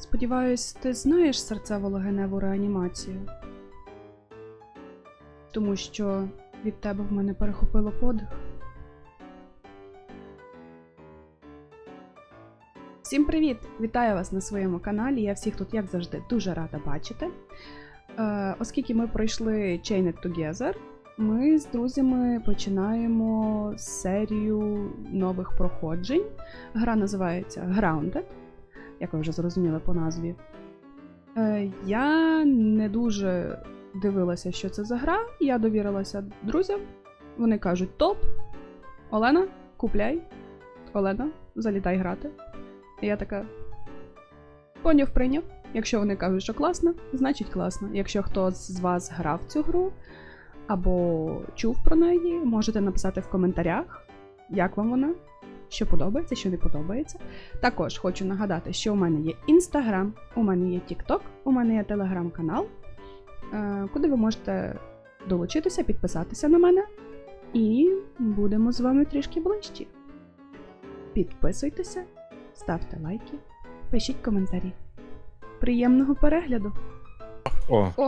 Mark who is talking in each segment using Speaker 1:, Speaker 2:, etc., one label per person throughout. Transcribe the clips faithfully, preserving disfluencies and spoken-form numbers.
Speaker 1: Сподіваюсь, ти знаєш серцево-легеневу реанімацію? Тому що від тебе в мене перехопило подих. Всім привіт! Вітаю вас на своєму каналі. Я всіх тут, як завжди, дуже рада бачити. Е, оскільки ми пройшли Chained Together, ми з друзями починаємо серію нових проходжень. Гра називається Grounded, як ви вже зрозуміли по назві. Е, я не дуже дивилася, що це за гра, я довірилася друзям. Вони кажуть: топ, Олена, купляй, Олена, залітай грати. І я така: поняв, прийняв. Якщо вони кажуть, що класно, значить класно. Якщо хтось з вас грав в цю гру, або чув про неї, можете написати в коментарях, як вам вона, що подобається, що не подобається. Також хочу нагадати, що у мене є Instagram, у мене є TikTok, у мене є Telegram-канал, куди ви можете долучитися, підписатися на мене, і будемо з вами трішки ближчі. Підписуйтеся, ставте лайки, пишіть коментарі. Приємного перегляду!
Speaker 2: О,
Speaker 1: О,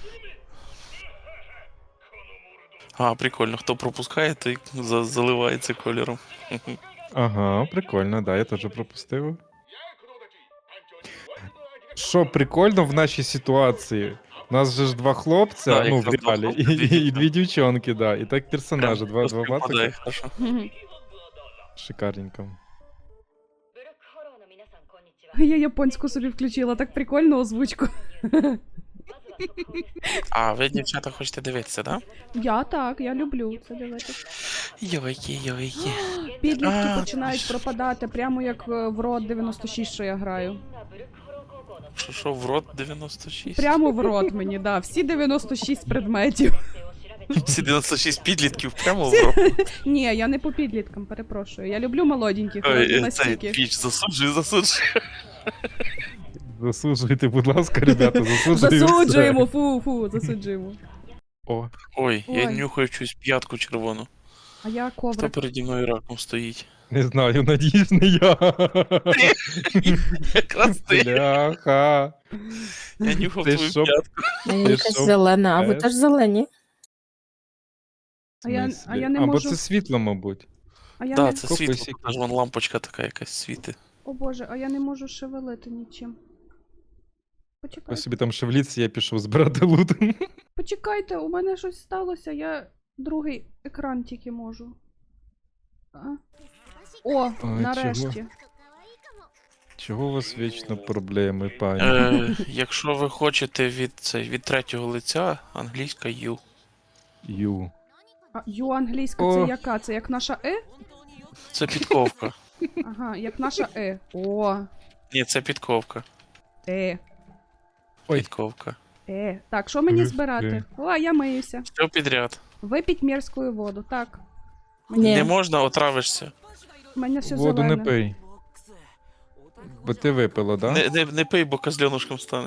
Speaker 3: А, прикольно. Хто пропускає, той за- заливається кольором.
Speaker 2: ага, прикольно, да, я теж пропустив. Що прикольно в нашій ситуації? У нас же ж два хлопця,
Speaker 3: Да,
Speaker 2: ну, в
Speaker 3: якраз два
Speaker 2: реалі,
Speaker 3: хлопця,
Speaker 2: і,
Speaker 3: дві
Speaker 2: і, і дві дівчонки, да. І так персонажі, два, два
Speaker 3: Попадає,
Speaker 2: пацака.
Speaker 3: хорошо.
Speaker 2: Шикарненько.
Speaker 1: я японську собі включила, так прикольно озвучку.
Speaker 3: А, ви, дівчата, хочете дивитися, да?
Speaker 1: Я так, я люблю це дивитися.
Speaker 3: Йойки, йойки.
Speaker 1: Підлітки
Speaker 3: А,
Speaker 1: починають пропадати, прямо як е, в рот дев'яносто шість, що я граю.
Speaker 3: Що, що, в рот дев'яносто шість?
Speaker 1: Прямо в рот мені, да. Всі дев'яносто шість предметів.
Speaker 3: Всі дев'яносто шість підлітків прямо в рот.
Speaker 1: Ні, я не по підліткам, перепрошую. Я люблю молоденьких,
Speaker 3: Ой,
Speaker 1: але
Speaker 3: цей
Speaker 1: настільки.
Speaker 3: піч, засуджую, засуджую.
Speaker 2: Засуджуйте, будь ласка, ребята, засуджуємо.
Speaker 1: Засуджуємо, фу, фу, засуджуємо.
Speaker 2: О,
Speaker 3: Ой, я
Speaker 1: Ой.
Speaker 3: нюхаю чусь п'ятку червону.
Speaker 1: А я
Speaker 3: Хто
Speaker 1: коврик.
Speaker 3: переді мною раком стоїть?
Speaker 2: не знаю, надіюсь, не я.
Speaker 3: Якраз ти.
Speaker 2: Бляха.
Speaker 3: Я нюхав
Speaker 2: Ти
Speaker 3: твою
Speaker 2: що?
Speaker 3: п'ятку.
Speaker 4: А я
Speaker 2: Ти
Speaker 4: якась
Speaker 2: що,
Speaker 4: зелена, а ви
Speaker 2: пес?
Speaker 4: теж зелені.
Speaker 1: А я, а
Speaker 2: Смислі?
Speaker 1: я не
Speaker 2: Або
Speaker 1: можу.
Speaker 2: це світло, мабуть.
Speaker 1: А я
Speaker 3: Да,
Speaker 1: не...
Speaker 3: це
Speaker 2: Копи
Speaker 3: світло,
Speaker 2: сіки.
Speaker 3: аж вон лампочка така якась світить.
Speaker 1: О боже, а я не можу шевелити нічим.
Speaker 2: Ви
Speaker 1: Почекайте.
Speaker 2: собі там шевліться, я пішов збирати лут.
Speaker 1: Почекайте, у мене щось сталося, я другий екран тільки можу. А? О,
Speaker 2: Ой,
Speaker 1: нарешті.
Speaker 2: Чого у вас вічно проблеми, пані?
Speaker 3: Е, якщо ви хочете від, цей, від третього лиця, англійська U.
Speaker 2: Ю.
Speaker 1: А ю англійська
Speaker 2: О.
Speaker 1: це яка? Це як наша Е?
Speaker 3: Це підковка.
Speaker 1: Ага, як наша Е. О,
Speaker 3: Ні, це підковка.
Speaker 1: Е,
Speaker 2: Ой.
Speaker 3: Підковка.
Speaker 1: Е. Так, що мені
Speaker 2: Е,
Speaker 1: збирати?
Speaker 2: е.
Speaker 1: О, я миюся.
Speaker 3: Все підряд.
Speaker 1: Випіть мерзкую воду, так.
Speaker 4: Ні.
Speaker 3: Не можна, отравишся.
Speaker 1: У мене все
Speaker 2: Воду
Speaker 1: зелене.
Speaker 2: не пий. Бо ти випила, да?
Speaker 3: Не, не, не пий, бо козленушком станеш.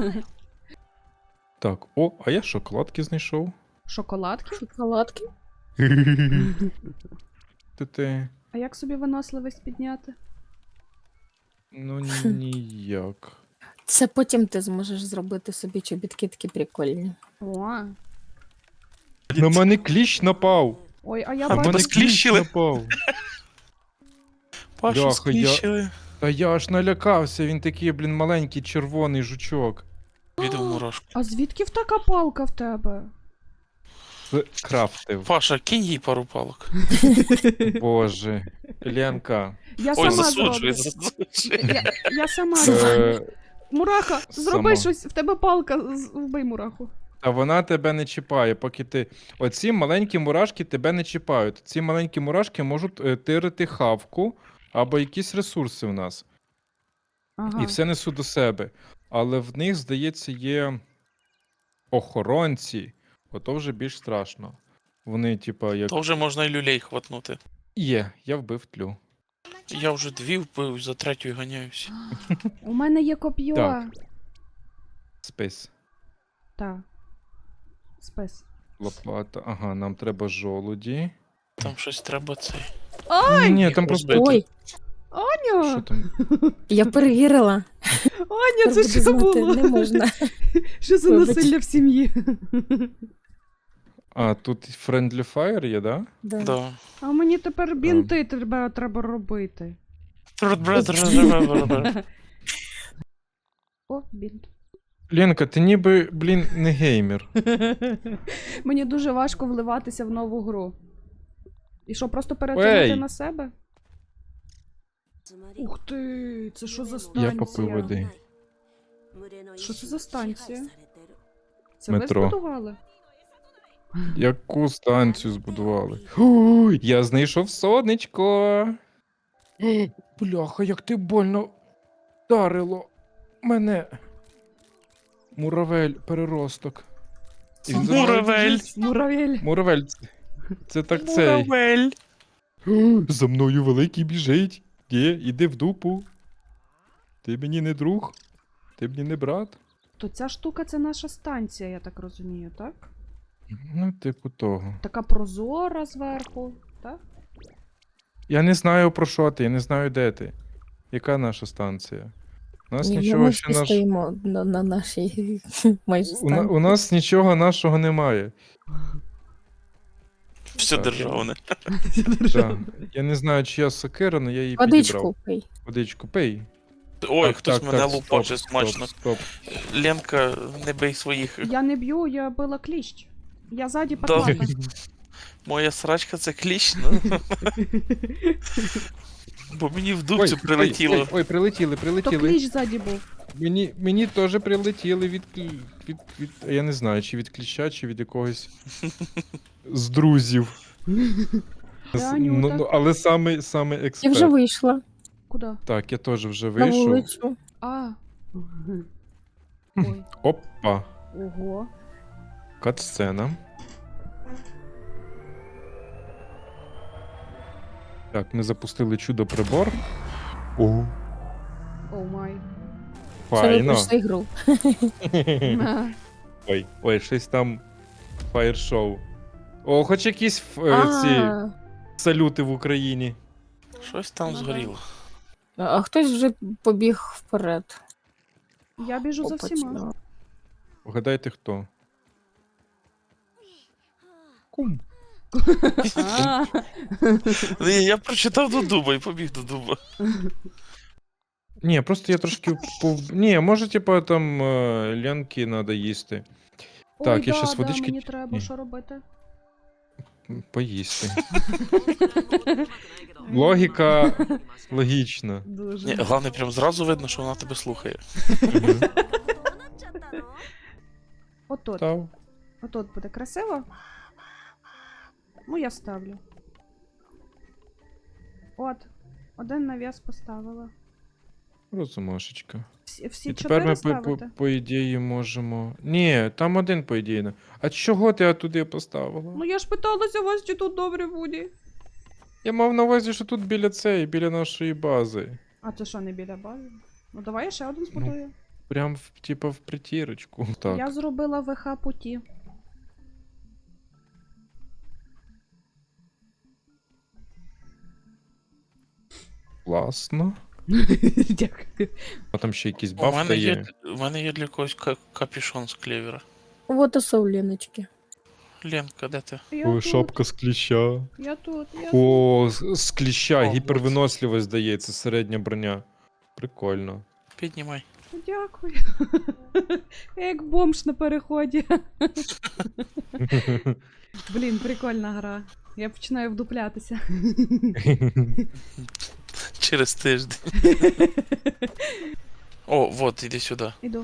Speaker 2: Так, о, а я шоколадки знайшов.
Speaker 1: Шоколадки?
Speaker 4: Шоколадки.
Speaker 2: Ти ти.
Speaker 1: А як собі виносливість підняти?
Speaker 2: Ну ніяк.
Speaker 4: Це потім ти зможеш зробити собі чобітки такі прикольні.
Speaker 1: О.
Speaker 2: На мене кліщ напав.
Speaker 1: Ой, а я
Speaker 3: А
Speaker 2: На
Speaker 3: тебе
Speaker 1: бачу.
Speaker 2: мене кліщ
Speaker 3: скліщили?
Speaker 2: напав.
Speaker 3: Пашу
Speaker 2: Бляха,
Speaker 3: скліщили.
Speaker 2: Та я аж налякався, він такий, блін, маленький червоний жучок.
Speaker 3: Відео мурашку.
Speaker 1: А звідки в така палка в тебе?
Speaker 2: Це крафтив.
Speaker 3: Паша, кинь їй пару палок.
Speaker 2: Боже. Ленка.
Speaker 1: Я
Speaker 3: Ой,
Speaker 1: сама
Speaker 3: засуджує,
Speaker 1: зроблю.
Speaker 3: засуджує.
Speaker 1: Я, я сама зроблю.
Speaker 2: Е,
Speaker 1: Мураха, зроби
Speaker 2: сама.
Speaker 1: щось, в тебе палка, з- вбий мураху.
Speaker 2: Та вона тебе не чіпає, поки ти. Оці маленькі мурашки тебе не чіпають. Ці маленькі мурашки можуть е, тирити хавку або якісь ресурси в нас.
Speaker 1: Ага.
Speaker 2: І все несуть до себе. Але в них, здається, є охоронці. Ото вже більш страшно. Вони, типа, як.
Speaker 3: То вже можна і люлей хватнути.
Speaker 2: Є, я вбив тлю.
Speaker 3: Я вже дві вбив, за третьою ганяюся.
Speaker 1: У мене є коп'є.
Speaker 2: Так. Спис.
Speaker 1: Так. Спис.
Speaker 2: Лопата. Ага, нам треба жолуді.
Speaker 3: Там щось треба цей.
Speaker 1: Ай!
Speaker 2: Ні,
Speaker 3: їх
Speaker 2: там просто.
Speaker 3: розбити.
Speaker 4: Ой,
Speaker 2: Що
Speaker 1: Аню!
Speaker 2: там?
Speaker 4: я перевірила.
Speaker 1: Аня, це
Speaker 4: Буду
Speaker 1: що
Speaker 4: знати,
Speaker 1: було?
Speaker 4: Не можна.
Speaker 1: Що за
Speaker 4: Вибач.
Speaker 1: насилля в сім'ї?
Speaker 2: А, тут Friendly Fire є, да?
Speaker 4: Да.
Speaker 3: Да.
Speaker 1: А мені тепер бінти треба, треба робити. О, бінт.
Speaker 2: Ленка, ти ніби, блін, не геймер.
Speaker 1: Мені дуже важко вливатися в нову гру. І що, просто перетягнути
Speaker 2: Ей!
Speaker 1: на себе? Ух ти, це що за
Speaker 2: Я
Speaker 1: станція?
Speaker 2: попив води.
Speaker 1: Що це за станція? Це
Speaker 2: Метро.
Speaker 1: ви збудували?
Speaker 2: Яку станцію збудували? Фу, я знайшов сонечко. О, бляха, як ти больно вдарило мене. Муравель, переросток. І він за мною
Speaker 3: Муравель.
Speaker 2: біжить.
Speaker 1: Муравель.
Speaker 2: Муравель. це- Це так цей.
Speaker 3: Муравель.
Speaker 2: О, за мною великий біжить. Є, іди в дупу. Ти мені не друг, ти мені не брат.
Speaker 1: То ця штука це наша станція, я так розумію, так?
Speaker 2: Ну, типу того.
Speaker 1: Така прозора зверху, так?
Speaker 2: Я не знаю про що ти, я не знаю, де ти. Яка наша станція? У нас
Speaker 4: Ні,
Speaker 2: нічого
Speaker 4: ми
Speaker 2: ще
Speaker 4: всі
Speaker 2: наш...
Speaker 4: стоїмо на, на нашій майже
Speaker 2: у, на...
Speaker 4: станції.
Speaker 2: у нас нічого нашого немає.
Speaker 3: Все
Speaker 2: Так.
Speaker 3: державне.
Speaker 2: Да. Я не знаю, чия сокира, але я її
Speaker 4: Водичку
Speaker 2: підібрав.
Speaker 4: пий.
Speaker 2: Водичку, пий.
Speaker 3: Ой,
Speaker 2: Так,
Speaker 3: хтось
Speaker 2: так,
Speaker 3: мене
Speaker 2: так,
Speaker 3: лупаше
Speaker 2: стоп,
Speaker 3: смачно.
Speaker 2: Стоп, стоп.
Speaker 3: Ленка, не бий своїх.
Speaker 1: Я не б'ю, я била кліщ. Я ззаді
Speaker 3: Да.
Speaker 1: поклала.
Speaker 3: Моя срачка це кліщ, ну. Бо мені в дубцю прилетіло.
Speaker 2: Ой, ой, ой, прилетіли,
Speaker 1: То
Speaker 2: прилетіли.
Speaker 1: кліщ ззаді був.
Speaker 2: Мені, мені теж прилетіли від, клі- від, від. Я не знаю, чи від кліща, чи від якогось з друзів. З-
Speaker 1: Анюта.
Speaker 2: ну, ну, але саме, саме
Speaker 4: Я
Speaker 2: експерт.
Speaker 4: вже вийшла
Speaker 1: Куди?
Speaker 2: Так, я теж вже
Speaker 4: на
Speaker 2: вийшов.
Speaker 4: вулицю.
Speaker 1: А. Ой.
Speaker 2: Опа,
Speaker 1: Ого.
Speaker 2: кат-сцена. Так, ми запустили чудо-прибор. О,
Speaker 1: Оу май.
Speaker 4: Це ви
Speaker 2: файно.
Speaker 4: пройшли гру.
Speaker 1: На.
Speaker 2: Ой, ой, щось там фаєр-шоу. О, хоч якісь ф- е, ці
Speaker 4: А,
Speaker 2: салюти в Україні.
Speaker 3: Щось там
Speaker 1: Ну, да.
Speaker 3: згоріло.
Speaker 4: а хтось вже побіг вперед.
Speaker 1: Я біжу за всіма.
Speaker 4: Опачно.
Speaker 2: Вгадайте, хто? Кум.
Speaker 1: А.
Speaker 3: Ні, я прочитав до дуба і побіг до дуба.
Speaker 2: Ні, просто я трошки пов... Ні, може, типа там е, лянки треба їсти. Так,
Speaker 1: Ой,
Speaker 2: я
Speaker 1: да,
Speaker 2: щас
Speaker 1: да,
Speaker 2: водички-
Speaker 1: мені треба,
Speaker 2: Ні.
Speaker 1: що робити?
Speaker 2: М, Поїсти. Логіка логічна.
Speaker 1: Дуже.
Speaker 3: Ні, головне, прям зразу видно, що вона тебе слухає.
Speaker 2: Мгм.
Speaker 1: Отут.
Speaker 2: Став.
Speaker 1: Отут буде красиво. Ну, я ставлю. От. Один навіс поставила.
Speaker 2: Розумашечка.
Speaker 1: Всі, всі
Speaker 2: І тепер
Speaker 1: чотири
Speaker 2: ми, по, по,
Speaker 1: ставити?
Speaker 2: по ідеї, можемо. Ні, там один, по ідеї. не- А чого ти туди поставила?
Speaker 1: Ну я ж питалася вас, чи тут добре буде.
Speaker 2: Я мав на увазі, що тут біля цієї, біля нашої бази.
Speaker 1: А це що, не біля бази? Ну давай я ще один збудую.
Speaker 2: Прям, в, типа, в притірочку. Так.
Speaker 1: Я зробила ВХ путі.
Speaker 2: Класно.
Speaker 1: Дякую.
Speaker 2: А там ще якийсь
Speaker 3: У
Speaker 2: баф
Speaker 3: мене є,
Speaker 2: є.
Speaker 3: у мене є для когось ка- капюшон з клевера.
Speaker 4: Вот і совліночки.
Speaker 3: Ленка, де ти?
Speaker 1: Я
Speaker 2: Ой,
Speaker 1: тут,
Speaker 2: шапка з кліща.
Speaker 1: я тут, я тут.
Speaker 2: О, з, з кліща,
Speaker 3: О,
Speaker 2: гіпервиносливість здається, середня броня. Прикольно.
Speaker 3: Піднімай.
Speaker 1: Дякую. Я як бомж на переході. Блін, прикольна гра. Я починаю вдуплятися.
Speaker 3: Через тиждень. О, вот, іди сюди.
Speaker 1: Іду.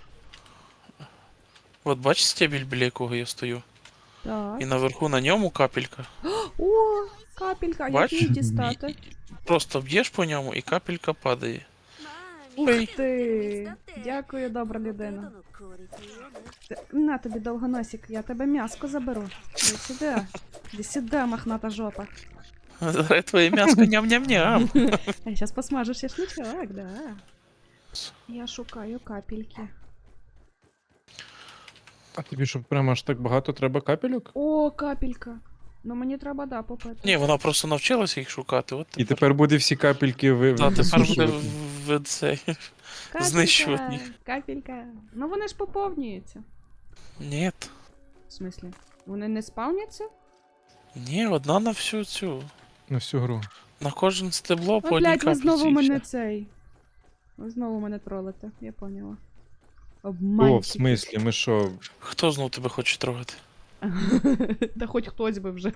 Speaker 3: От бачиш стебель, біля якого я стою?
Speaker 1: Так.
Speaker 3: І наверху на ньому капелька.
Speaker 1: О, капелька, як
Speaker 3: Бач?
Speaker 1: її дістати?
Speaker 3: Просто б'єш по ньому і капелька падає.
Speaker 1: Ух
Speaker 3: Ой.
Speaker 1: ти! Дякую, добра людина. Т- На тобі довгоносик, я тебе м'яско заберу. Іди сюди. Іди сюди, мохната жопа.
Speaker 3: Зараз твоє м'яско ням-ням-ням.
Speaker 1: Я зараз посмажу шашличок, да. Я шукаю капельки.
Speaker 2: А тобі що прямо аж так багато треба капельок?
Speaker 1: О, капелька. Ну мені треба, да, попити.
Speaker 3: Ні, вона просто навчилася їх шукати. От
Speaker 2: І тепер буде всі капельки ви...
Speaker 3: Та, тепер буде
Speaker 2: висушувати.
Speaker 3: в, в цей.
Speaker 1: Капелька,
Speaker 3: знищувати їх.
Speaker 1: Капелька. Ну вони ж поповнюються.
Speaker 3: Ні.
Speaker 1: В смислі? Вони не спавняться?
Speaker 3: Ні, одна на всю цю.
Speaker 2: На всю гру.
Speaker 3: На кожен стебло по
Speaker 1: О,
Speaker 3: одній
Speaker 1: блядь, ви
Speaker 3: капліці.
Speaker 1: знову
Speaker 3: і
Speaker 1: мене
Speaker 3: все.
Speaker 1: цей. Ви знову мене тролите, я поняла.
Speaker 2: О,
Speaker 1: Обманщики.
Speaker 2: в смислі, ми що?
Speaker 3: Хто знов тебе хоче трогати?
Speaker 1: Та хоч хтось би вже.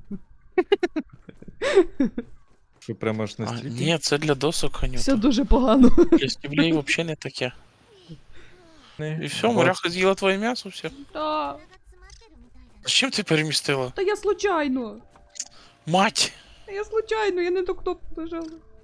Speaker 2: Що прямо аж
Speaker 3: А,
Speaker 2: настільки?
Speaker 3: ні, це для досок,
Speaker 1: Все
Speaker 3: Анюта.
Speaker 1: дуже погано.
Speaker 3: Для стеблей взагалі не таке. І все, моряха з'їла твоє м'ясо, все.
Speaker 1: Та,
Speaker 3: А чим ти перемістила?
Speaker 1: та я случайно.
Speaker 3: Мать!
Speaker 1: Та я случайно, я не до кнопку нажала.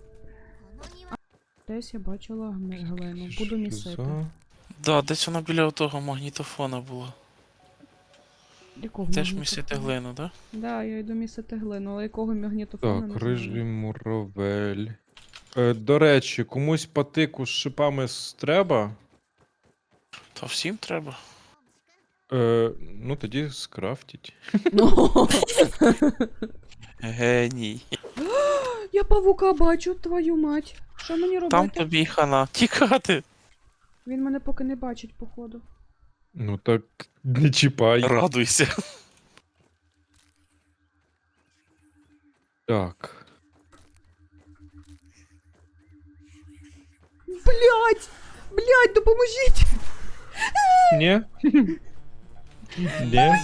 Speaker 1: Десь я бачила Гелену, буду місити.
Speaker 2: За-
Speaker 3: Да, десь вона біля того магнітофона була.
Speaker 1: Якого
Speaker 3: Теж
Speaker 1: магнітофону?
Speaker 3: місити глину, да?
Speaker 1: Да, я йду місити глину, але якого магнітофону не
Speaker 2: Так,
Speaker 1: знаю.
Speaker 2: рижий муравель. Е, до речі, комусь патику з шипами с- треба?
Speaker 3: Та всім треба.
Speaker 2: Е, ну тоді скрафтіть.
Speaker 1: Ну,
Speaker 3: Геній.
Speaker 1: я павука бачу, твою мать. Що мені робити?
Speaker 3: Там тобі й хана. Тікати.
Speaker 1: Він мене поки не бачить, походу.
Speaker 2: Ну так не чіпай.
Speaker 3: Радуйся.
Speaker 2: Так.
Speaker 1: Блять! Блять, допоможіть!
Speaker 2: Ні? Ні?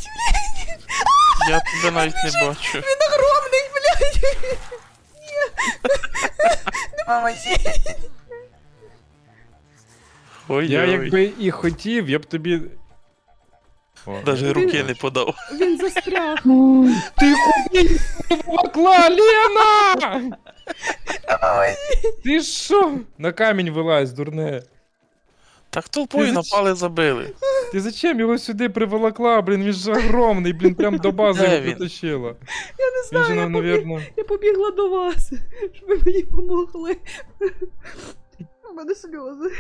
Speaker 3: Я тебе навіть не бачу.
Speaker 1: Він огромний, блять! Ні! Допоможіть!
Speaker 3: Ой,
Speaker 2: Я
Speaker 3: ой.
Speaker 2: якби і хотів, я б тобі. О,
Speaker 3: Даже
Speaker 2: я
Speaker 3: руки
Speaker 2: бачу.
Speaker 3: не подав.
Speaker 1: Він застряг.
Speaker 2: Ти хуй волокла, Лена! Ти що? На камінь вилазь, дурне.
Speaker 3: Так толпою
Speaker 2: Ти зач-
Speaker 3: напали, забили.
Speaker 2: Ти зачем його сюди приволокла, блін, він же огромний, блін, прям до бази
Speaker 3: Де
Speaker 2: його
Speaker 3: він?
Speaker 2: притащила.
Speaker 1: Я не
Speaker 2: Він
Speaker 1: знаю,
Speaker 2: же,
Speaker 1: я,
Speaker 2: нам,
Speaker 1: побіг...
Speaker 2: навірно.
Speaker 1: я побігла до вас, щоб ви мені помогли. У мене сльози.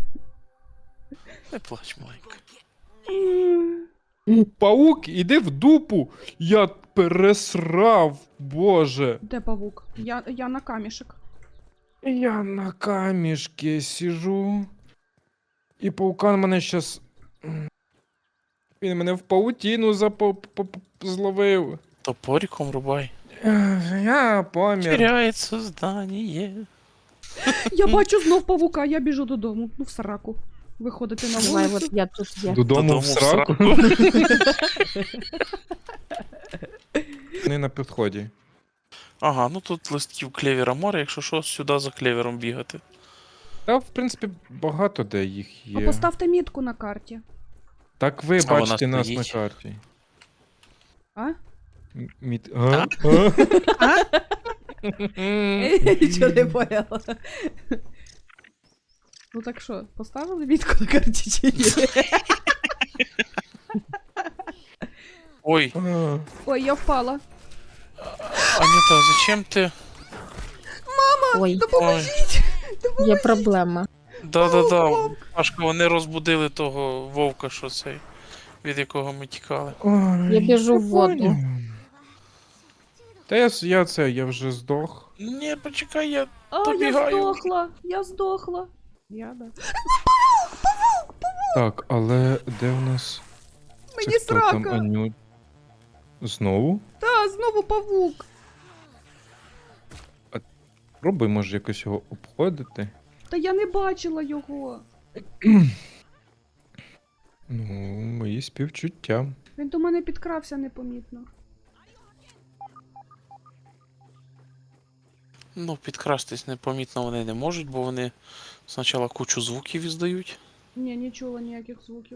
Speaker 3: Не плач, маленька.
Speaker 2: Паук, іди в дупу! Я пересрав, боже.
Speaker 1: Де павук? Я, я на камішек.
Speaker 2: Я на камішки сижу. І паукан мене щас. Він мене в паутіну запо... по- по- зловив.
Speaker 3: Топориком рубай.
Speaker 2: Ех, Я помір.
Speaker 3: Теряється здання.
Speaker 1: Я бачу знов павука, я біжу додому. Ну в сраку. Виходити на
Speaker 4: Давай,
Speaker 1: вулицю.
Speaker 4: от я тут є.
Speaker 2: Додому,
Speaker 3: Додому
Speaker 2: в
Speaker 3: в
Speaker 2: сраку. Не на підході.
Speaker 3: Ага, ну тут листків клевера море, якщо що, сюди за клевером бігати.
Speaker 2: Та, в принципі, багато де їх
Speaker 1: А
Speaker 2: є.
Speaker 1: поставте мітку на карті.
Speaker 2: Так ви
Speaker 3: А вона
Speaker 2: бачите нас на
Speaker 3: стоїть.
Speaker 2: карті.
Speaker 1: А?
Speaker 2: М- Міт... А? А?
Speaker 1: Я нічого не поняла. Ну так що, поставили мітку на карті чи ні?
Speaker 3: Ой,
Speaker 2: А.
Speaker 1: Ой, я впала.
Speaker 3: Анюта, зачем ти?
Speaker 4: Ой,
Speaker 1: Допоможіть!
Speaker 4: є проблема.
Speaker 3: Да-да-да, Пашка, вони розбудили того вовка, що цей, від якого ми тікали.
Speaker 2: Ой,
Speaker 4: Я біжу в воду.
Speaker 2: поняв. Та я, с- я це, я вже здох.
Speaker 3: Ні, почекай, я.
Speaker 1: А, я
Speaker 3: Добігаю.
Speaker 1: здохла, я здохла. Я, да.
Speaker 2: Так, але де в нас.
Speaker 1: Мені
Speaker 2: Це хто там,
Speaker 1: срака.
Speaker 2: Аню? Знову?
Speaker 1: Та, знову павук.
Speaker 2: Пробуй, може, якось його обходити.
Speaker 1: Та я не бачила його.
Speaker 2: Ну, мої співчуття.
Speaker 1: Він до мене підкрався непомітно.
Speaker 3: Ну, підкрастись непомітно вони не можуть, бо вони спочатку кучу звуків іздають,
Speaker 1: Ні, не чула ніяких звуків.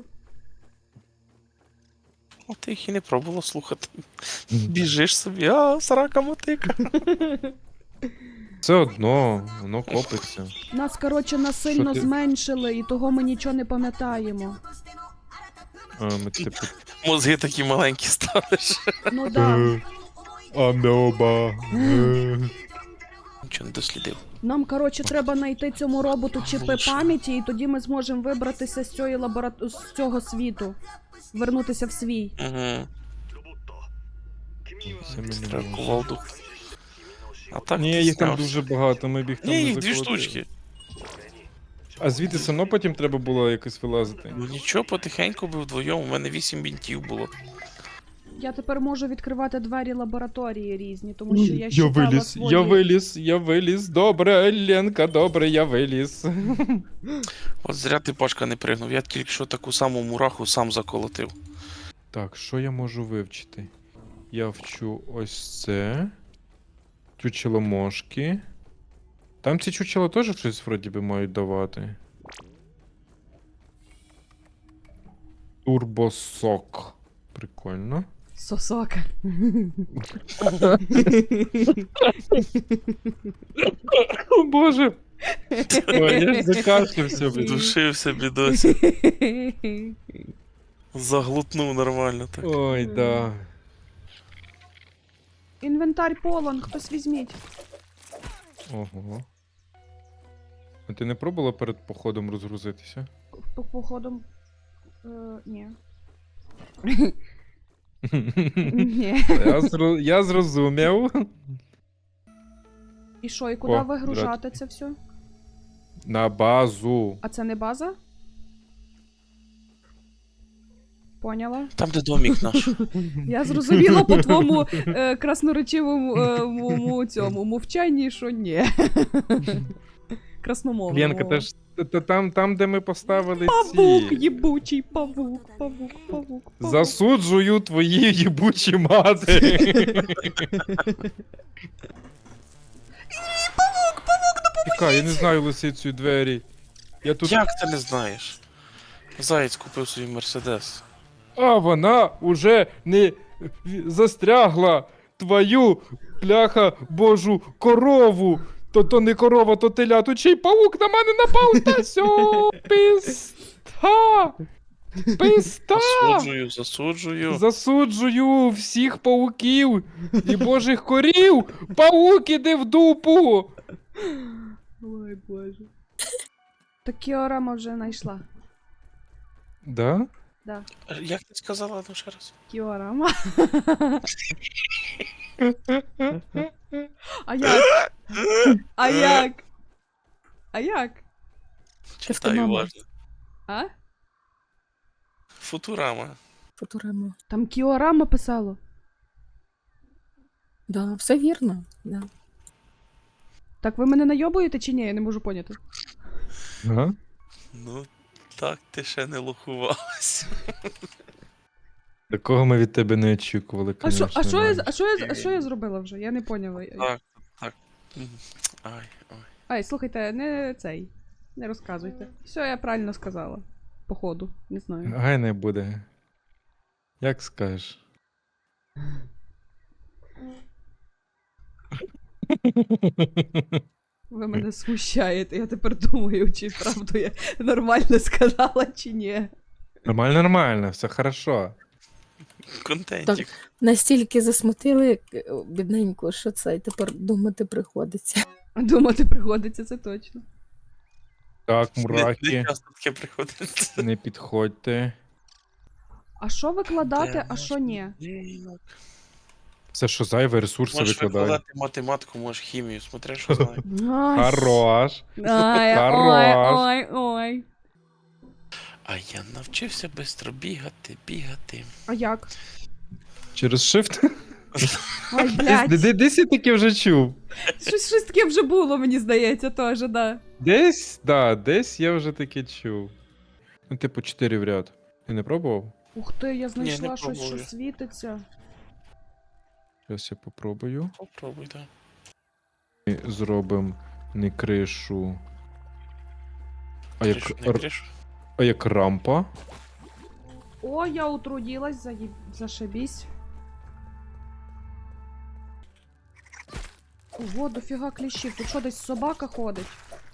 Speaker 3: а ти їх і не пробувала слухати. Біжиш собі, а, срака мотика.
Speaker 2: Все одно, воно копиться.
Speaker 1: Нас, коротше, насильно
Speaker 2: Що ти-
Speaker 1: зменшили, і того ми нічого не пам'ятаємо.
Speaker 2: А, ми типу.
Speaker 3: Мозги такі маленькі ставиш.
Speaker 1: Ну да.
Speaker 2: Е, Амеоба. Е.
Speaker 3: Нічого не дослідив.
Speaker 1: Нам, коротше, треба знайти цьому роботу чіпи
Speaker 3: Лучше.
Speaker 1: пам'яті, і тоді ми зможемо вибратися з цієї лаборат... з цього світу. Вернутися в свій.
Speaker 3: Угу.
Speaker 2: Це ми не
Speaker 3: Треба
Speaker 2: можемо.
Speaker 3: кувалду. А так
Speaker 2: Ні,
Speaker 3: ти
Speaker 2: їх там
Speaker 3: знявся.
Speaker 2: дуже багато, ми б їх там
Speaker 3: Ні,
Speaker 2: не
Speaker 3: їх дві
Speaker 2: заколотили.
Speaker 3: штучки.
Speaker 2: А звідти все одно потім треба було якось вилазити.
Speaker 3: Ну нічого, потихеньку би вдвоєм, у мене вісім бінтів було.
Speaker 1: Я тепер можу відкривати двері лабораторії різні, тому що я
Speaker 2: я
Speaker 1: щитала
Speaker 2: виліз,
Speaker 1: свої.
Speaker 2: я виліз, я виліз. Добре, Ленка, добре, я виліз.
Speaker 3: От зря ти Пашка не пригнув, я тільки що таку саму мураху сам заколотив.
Speaker 2: Так, що я можу вивчити? Я вчу ось це. Чучеломошки. Там ці чучела теж щось вроді би мають давати. Турбосок. Прикольно.
Speaker 1: Сосока.
Speaker 2: О боже! Ой, я ж закашлявся, блін.
Speaker 3: Душився, бідося. Заглутнув нормально так.
Speaker 2: Ой, да.
Speaker 1: Інвентар полон, хтось візьміть.
Speaker 2: Ого. А ти не пробувала перед походом розгрузитися?
Speaker 1: По походом. Е, ні. Ні.
Speaker 2: Я, зро... я зрозумів.
Speaker 1: І що, і куди
Speaker 2: О,
Speaker 1: вигружати це все?
Speaker 2: На базу.
Speaker 1: А це не база? Поняла?
Speaker 3: Там, де домік наш.
Speaker 1: Я зрозуміла по твоєму е, красноречивому е, мому цьому мовчанні, що ні. Красномовному.
Speaker 2: Ленка, та ж та- та там, там, де ми поставили
Speaker 1: Павук,
Speaker 2: ці.
Speaker 1: їбучий, павук, павук, павук, павук.
Speaker 2: Засуджую твої їбучі мати. Чекай, я не знаю лисицю двері. Я тут.
Speaker 3: Як ти не знаєш? Заєць купив собі мерседес.
Speaker 2: А вона уже не застрягла твою пляха божу корову. То то не корова, то телятучий паук на мене напав. Та сьо, писта. Писта.
Speaker 3: Засуджую, засуджую.
Speaker 2: Засуджую всіх пауків і божих корів. Паук іди в дупу.
Speaker 1: Ой, боже. Так Кіорама вже знайшла.
Speaker 2: Да?
Speaker 1: Да.
Speaker 3: Як ти сказала, ну ще раз?
Speaker 1: Кіорама. А як? А як? А як?
Speaker 3: Читай
Speaker 4: мама.
Speaker 3: уважно.
Speaker 1: А?
Speaker 3: Футурама.
Speaker 4: Футурама.
Speaker 1: Там Кіорама писало.
Speaker 4: Да, все вірно. Да.
Speaker 1: Так ви мене найобуєте чи ні? Я не можу поняти.
Speaker 2: Ага.
Speaker 3: Ну, так ти ще не лохувалась.
Speaker 2: Такого ми від тебе не очікували,
Speaker 1: А що,
Speaker 2: конечно.
Speaker 1: а що я,
Speaker 2: да.
Speaker 1: а що я, а що я зробила вже? Я не поняла.
Speaker 3: Так, так. Мгм. Ай, ой.
Speaker 1: Ай, слухайте, не цей. Не розказуйте. Все, я правильно сказала. Походу, не знаю.
Speaker 2: Гай не буде. Як скажеш.
Speaker 1: Ви мене смущаєте. Я тепер думаю, чи правду я нормально сказала, чи ні.
Speaker 2: Нормально, нормально, все хорошо.
Speaker 3: Контентик.
Speaker 4: Настільки засмутили е, бідненько, що це тепер думати приходиться.
Speaker 1: Думати приходиться, це точно.
Speaker 2: Так,
Speaker 3: Не, не
Speaker 2: мураки,
Speaker 3: часто таке приходить.
Speaker 2: не підходьте.
Speaker 1: А що викладати,
Speaker 3: Де
Speaker 1: а що ні?
Speaker 3: Блінок.
Speaker 2: Все, що зайве, ресурси
Speaker 3: Можеш
Speaker 2: викладай.
Speaker 3: викладати математику, можеш хімію, смотря що знаю.
Speaker 1: Ай,
Speaker 2: Хорош.
Speaker 1: ай, ой,
Speaker 2: Хорош.
Speaker 1: ой, ой.
Speaker 3: А я навчився швидко бігати, бігати.
Speaker 1: А як?
Speaker 2: Через shift?
Speaker 1: Ой,
Speaker 2: Десь,
Speaker 1: блядь.
Speaker 2: де- десь я таке вже чув.
Speaker 1: Щось, щось таке вже було, мені здається, теж, да.
Speaker 2: Десь, да, десь я вже таке чув. Ну, типу, чотири в ряд. Ти не пробував?
Speaker 1: Ух ти, я знайшла
Speaker 3: не
Speaker 1: щось, що
Speaker 3: пробую.
Speaker 1: світиться.
Speaker 2: Зараз я попробую.
Speaker 3: Попробуй, так.
Speaker 2: Ми зробимо не кришу. А як,
Speaker 3: Кришу, не
Speaker 2: р-
Speaker 3: кришу.
Speaker 2: а як рампа?
Speaker 1: О, я утрудилась, заеб... зашибись. Ого, дофіга кліщів. Тут що, десь собака ходить?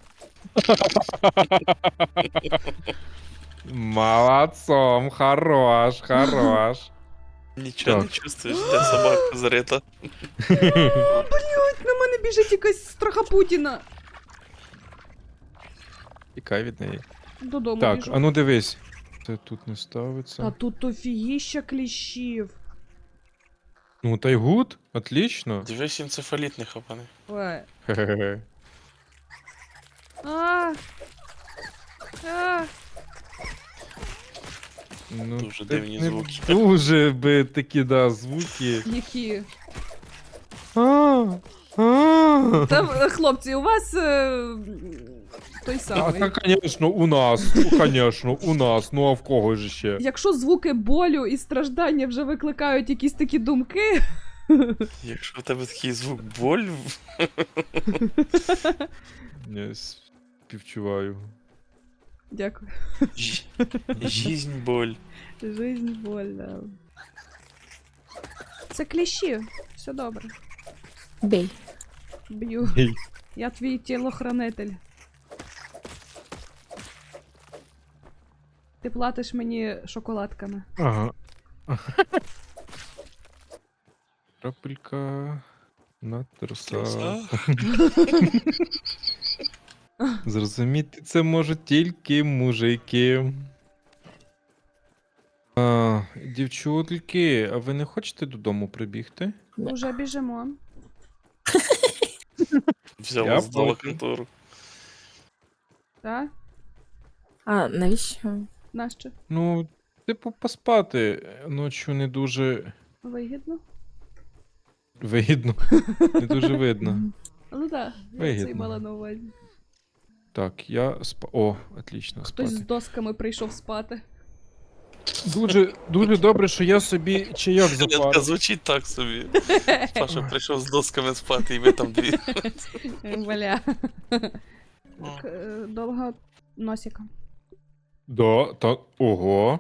Speaker 2: Молодцом, хорош, хорош.
Speaker 3: Нічого не
Speaker 2: Так.
Speaker 3: чувствуєш, де собака зарита.
Speaker 1: Блять, на мене біжить якась страха Путіна.
Speaker 2: Тікай від неї.
Speaker 1: Додому
Speaker 2: Так,
Speaker 1: біжу.
Speaker 2: а ну дивись. Це тут не ставиться.
Speaker 1: Та тут офігіща кліщів.
Speaker 2: Ну, та й гуд, отлично.
Speaker 3: Дивись, енцефаліт не хапане.
Speaker 1: Ой.
Speaker 2: Хе-хе-хе.
Speaker 1: А! А!
Speaker 2: Ну,
Speaker 3: Дуже
Speaker 2: так
Speaker 3: дивні
Speaker 2: не
Speaker 3: звуки.
Speaker 2: Дуже би такі, да, звуки.
Speaker 1: Які?
Speaker 2: А, а.
Speaker 1: Та, е, хлопці, у вас е, той
Speaker 2: А,
Speaker 1: самий.
Speaker 2: та, конечно, у нас, ну, конечно, у нас, ну а в кого ж ще?
Speaker 1: Якщо звуки болю і страждання вже викликають якісь такі думки,
Speaker 3: Якщо в тебе такий звук боль,
Speaker 2: Я співчуваю.
Speaker 1: дякую.
Speaker 3: жі- жизнь боль.
Speaker 1: Жизнь больна. Це кліщі. Все добре.
Speaker 4: Бей.
Speaker 1: Б'ю.
Speaker 2: Ей.
Speaker 1: Я твій тілохранитель. Ти платиш мені шоколадками.
Speaker 2: Ага. Крапелька на труса. Зрозуміти це можуть тільки мужики. А, дівчутки, а ви не хочете додому прибігти?
Speaker 1: Уже біжимо.
Speaker 3: Взяла
Speaker 2: Я
Speaker 3: здала
Speaker 2: проти.
Speaker 3: контору.
Speaker 1: Так?
Speaker 4: А, навіщо?
Speaker 1: Нащо?
Speaker 2: Ну, типу, поспати ночі не дуже
Speaker 1: Вигідно?
Speaker 2: вигідно. Не дуже видно.
Speaker 1: Ну так, я це й
Speaker 2: Вигідно.
Speaker 1: мала на увазі.
Speaker 2: Так, я спа. О, отлично,
Speaker 1: Хтось з
Speaker 2: спати.
Speaker 1: досками прийшов спати.
Speaker 2: Дуже, дуже добре, що я собі чайок
Speaker 3: Ленка
Speaker 2: запарив.
Speaker 3: звучить так собі. Паша прийшов з досками спати, і ви там дві.
Speaker 1: Бля. Так, е, довго носика.
Speaker 2: Да, та. Ого.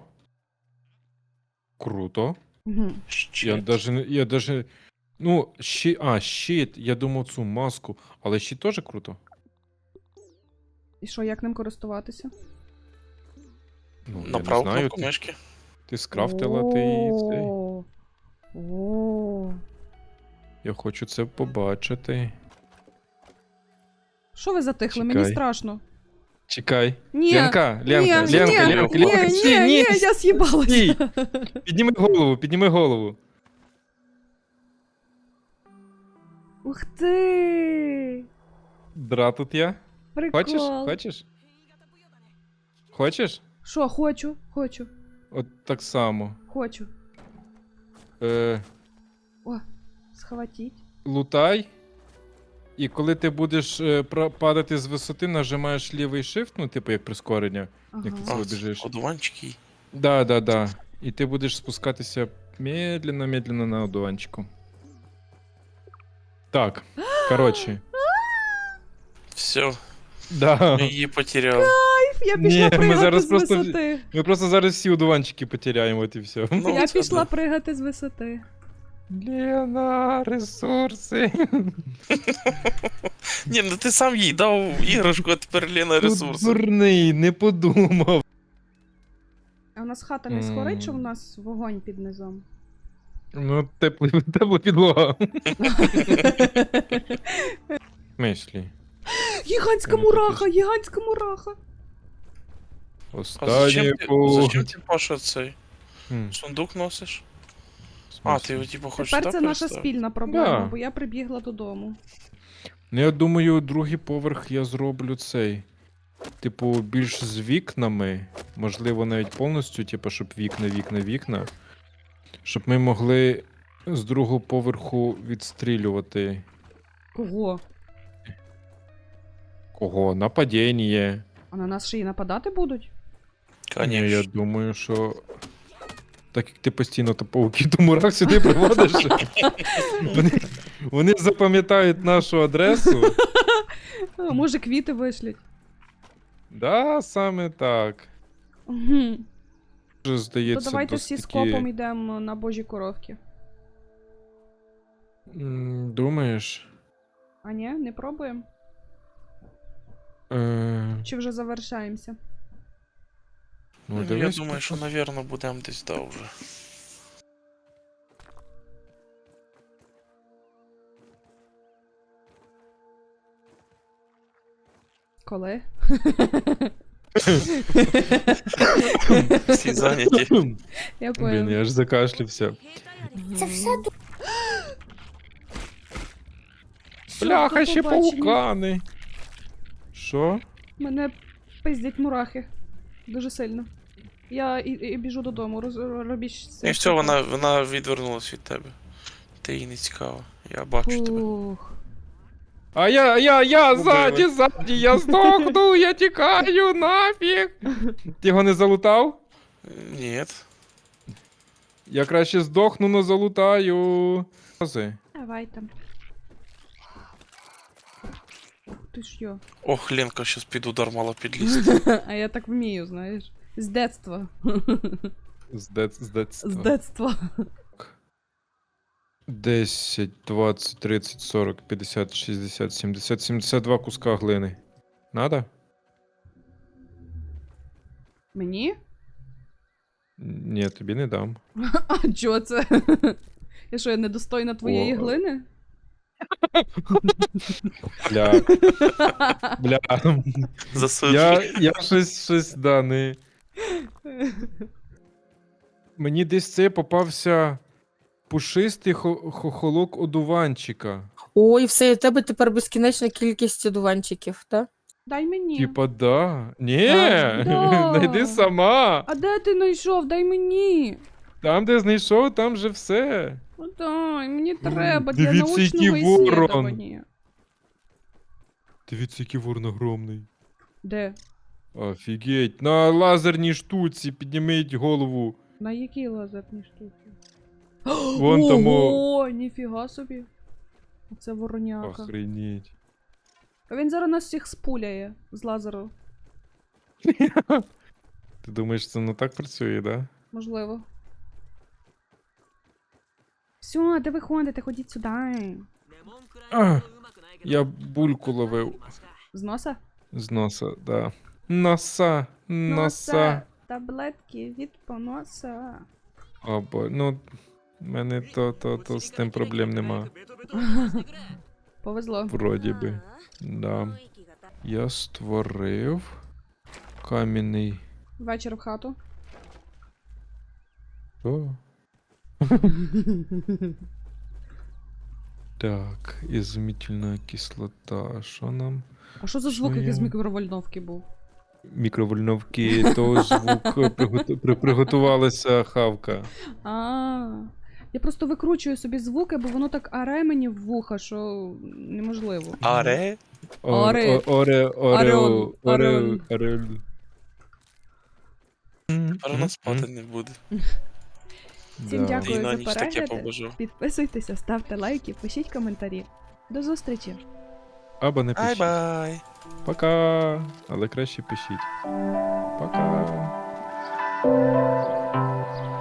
Speaker 2: Круто.
Speaker 1: Угу.
Speaker 2: Я
Speaker 3: Щит.
Speaker 2: даже, не- я даже. Ну, щит. А, щит. Я думав цю маску. Але щит теж круто.
Speaker 1: І що, як ним користуватися?
Speaker 2: Ну, я
Speaker 3: На
Speaker 2: не
Speaker 3: праву
Speaker 2: знаю.
Speaker 3: кнопку
Speaker 2: Ти,
Speaker 3: мишки.
Speaker 2: ти скрафтила, ти і цей.
Speaker 1: О, о.
Speaker 2: Я хочу це побачити.
Speaker 1: Що ви затихли? Мені
Speaker 2: Чекай.
Speaker 1: страшно.
Speaker 2: Чекай.
Speaker 1: Ні,
Speaker 2: Ленка,
Speaker 1: ні,
Speaker 2: Ленка,
Speaker 1: ні,
Speaker 2: Ленка,
Speaker 1: ні,
Speaker 2: Ленка,
Speaker 1: ні,
Speaker 2: Ленка.
Speaker 1: ні,
Speaker 2: Стій,
Speaker 1: ні,
Speaker 2: ні,
Speaker 1: я з'їбалася.
Speaker 2: стій. Підніми голову, підніми голову.
Speaker 1: Ух ти!
Speaker 2: Дра тут я.
Speaker 1: Прикол.
Speaker 2: Хочеш? Хочеш? Хочеш?
Speaker 1: Що, хочу, хочу,
Speaker 2: От так само.
Speaker 1: хочу.
Speaker 2: Е,
Speaker 1: О, схватіть.
Speaker 2: лутай. І коли ти будеш е, пра- падати з висоти, нажимаєш лівий shift, ну, типу як прискорення.
Speaker 1: Ага.
Speaker 2: Як ти
Speaker 3: А,
Speaker 2: Коли біжиш.
Speaker 3: одуванчики.
Speaker 2: Да, да, да. І ти будеш спускатися медленно, медленно на одуванчику. Так, коротше.
Speaker 3: Все,
Speaker 2: Да.
Speaker 3: я її потеряв.
Speaker 1: Я
Speaker 2: Ні,
Speaker 1: пішла
Speaker 2: ми
Speaker 1: пригати
Speaker 2: зараз
Speaker 1: з
Speaker 2: просто-
Speaker 1: висоти.
Speaker 2: Ми просто зараз всі одуванчики потеряємо, от і все.
Speaker 3: Ну,
Speaker 1: Я
Speaker 3: це
Speaker 1: пішла
Speaker 3: да.
Speaker 1: пригати з висоти.
Speaker 2: Лена, ресурси.
Speaker 3: Ні, ну ти сам їй дав іграшку, а тепер Лена
Speaker 2: Тут
Speaker 3: ресурси.
Speaker 2: дурний, не подумав.
Speaker 1: А у нас хата не
Speaker 2: М.
Speaker 1: схорить, що в нас вогонь під низом?
Speaker 2: Ну, тепло, тепла підлога. Мислі.
Speaker 1: Гігантська
Speaker 2: Вони тут
Speaker 1: мураха, гігантська мураха.
Speaker 3: А
Speaker 2: Останнє
Speaker 3: зачем ти,
Speaker 2: по...
Speaker 3: зачем ти, Паша, цей
Speaker 2: Хм,
Speaker 3: сундук носиш?
Speaker 2: в
Speaker 3: А,
Speaker 2: смислі?
Speaker 3: ти його типу хочеш
Speaker 1: Тепер
Speaker 3: так
Speaker 1: це наша
Speaker 3: переставити?
Speaker 1: спільна проблема,
Speaker 2: Да.
Speaker 1: бо я прибігла додому.
Speaker 2: Ну, я думаю, другий поверх я зроблю цей. Типу, більш з вікнами. Можливо, навіть повністю, типу, щоб вікна, вікна, вікна. Щоб ми могли з другого поверху відстрілювати.
Speaker 1: Кого?
Speaker 2: Кого? Нападіння.
Speaker 1: А на нас ще й нападати будуть?
Speaker 2: Ні, я
Speaker 3: Конечно.
Speaker 2: думаю, що. Так як ти постійно то пауки до мурах сюди приводиш. вони, вони запам'ятають нашу адресу.
Speaker 1: А, може, квіти вишлють.
Speaker 2: Да, саме так.
Speaker 1: Угу.
Speaker 2: Вже
Speaker 1: То
Speaker 2: здається,
Speaker 1: давайте всі
Speaker 2: досить
Speaker 1: з
Speaker 2: таки-
Speaker 1: копом йдемо на божі коровки.
Speaker 2: М, Думаєш?
Speaker 1: А ні, не пробуємо?
Speaker 2: Е,
Speaker 1: Чи вже завершаємося?
Speaker 2: ну,
Speaker 3: Ну, я
Speaker 2: дивись,
Speaker 3: думаю, що, навірно, будемо десь да вже.
Speaker 1: Коли?
Speaker 3: Всі зайняті.
Speaker 1: Я
Speaker 2: Блін,
Speaker 1: поняла.
Speaker 2: я аж закашлявся.
Speaker 4: Це все
Speaker 2: Бляха,
Speaker 1: до
Speaker 2: ще
Speaker 1: побачення.
Speaker 2: паукани. Що?
Speaker 1: Мене пиздять мурахи. Дуже сильно. Я і, і біжу додому, роз, робіть це.
Speaker 3: І все, вона, вона відвернулась від тебе. Ти їй не цікава. Я бачу тебе.
Speaker 1: Фух.
Speaker 2: А я, я, я,
Speaker 3: Убили.
Speaker 2: ззаді, ззаді, я здохну, я тікаю, нафіг. Ти його не залутав?
Speaker 3: Ні.
Speaker 2: Я краще здохну, но залутаю. Рази.
Speaker 1: Давай там. Ух ти ж йо.
Speaker 3: Ох, Ленка щас під удар мала підлізти.
Speaker 1: А я так вмію, знаєш. З детства.
Speaker 2: З дет- з детства.
Speaker 1: З детства.
Speaker 2: десять, двадцять, тридцять, сорок, п'ятдесят, шістдесят, сімдесят, сімдесят два куска глини. Надо?
Speaker 1: Мені?
Speaker 2: Ні, тобі не дам.
Speaker 1: А чого це? Я що, я недостойна твоєї
Speaker 2: О.
Speaker 1: глини?
Speaker 2: Бля. Бля.
Speaker 3: Засуджую.
Speaker 2: Я, я щось, щось, да, не... Мені десь це попався пушистий хо- хохолок одуванчика.
Speaker 4: Ой, все, у тебе тепер безкінечна кількість одуванчиків, так?
Speaker 1: Дай мені.
Speaker 2: Типа, да. Ні,
Speaker 1: Да.
Speaker 2: найди сама.
Speaker 1: А де ти знайшов? Дай мені.
Speaker 2: Там, де знайшов, там же все.
Speaker 1: Ну дай, мені треба для
Speaker 2: Дивіться, який
Speaker 1: научного
Speaker 2: ворон.
Speaker 1: ісследування.
Speaker 2: Дивіться, який ворон огромний.
Speaker 1: Де?
Speaker 2: Офігеть. На лазерній штуці підніміть голову.
Speaker 1: На якій лазерній штуці?
Speaker 2: Вон там, о.
Speaker 1: Ого, ніфіга собі. Це вороняка.
Speaker 2: Охренеть.
Speaker 1: А він зараз нас всіх спуляє з лазеру.
Speaker 2: Ти думаєш, це не так працює, да?
Speaker 1: Можливо. Все, де ви ходите? Ходіть сюди.
Speaker 2: А, я бульку ловив
Speaker 1: З носа?
Speaker 2: з носа, да. Носа, носа.
Speaker 1: Таблетки від поноса.
Speaker 2: Або, ну, в мене то, то, то з тим проблем нема.
Speaker 1: Повезло.
Speaker 2: Вроді би. Да. Я створив кам'яний.
Speaker 1: Вечір в хату.
Speaker 2: О. Так, ізумітельна кислота. Що нам?
Speaker 1: А що за
Speaker 2: Що
Speaker 1: звук, який
Speaker 2: я?
Speaker 1: з мікровольновки був?
Speaker 2: Мікровольновки, то звук приготу- при- приготувалася хавка.
Speaker 1: А, я просто викручую собі звуки, бо воно так аре мені в вуха, що неможливо.
Speaker 3: Аре?
Speaker 2: О-
Speaker 1: Оре.
Speaker 2: о- Оре,
Speaker 1: Орел.
Speaker 2: орео,
Speaker 1: Орел.
Speaker 2: орел, орел.
Speaker 3: Тепер вона спати не буде.
Speaker 1: Всім
Speaker 2: Да.
Speaker 1: дякую.
Speaker 3: І на
Speaker 1: за
Speaker 3: ніч таке
Speaker 1: перегляди.
Speaker 3: побажав.
Speaker 1: Підписуйтеся, ставте лайки, пишіть коментарі. До зустрічі!
Speaker 2: Або не пишіть.
Speaker 3: Ай-бай!
Speaker 2: Пока. Але краще пишіть. Пока.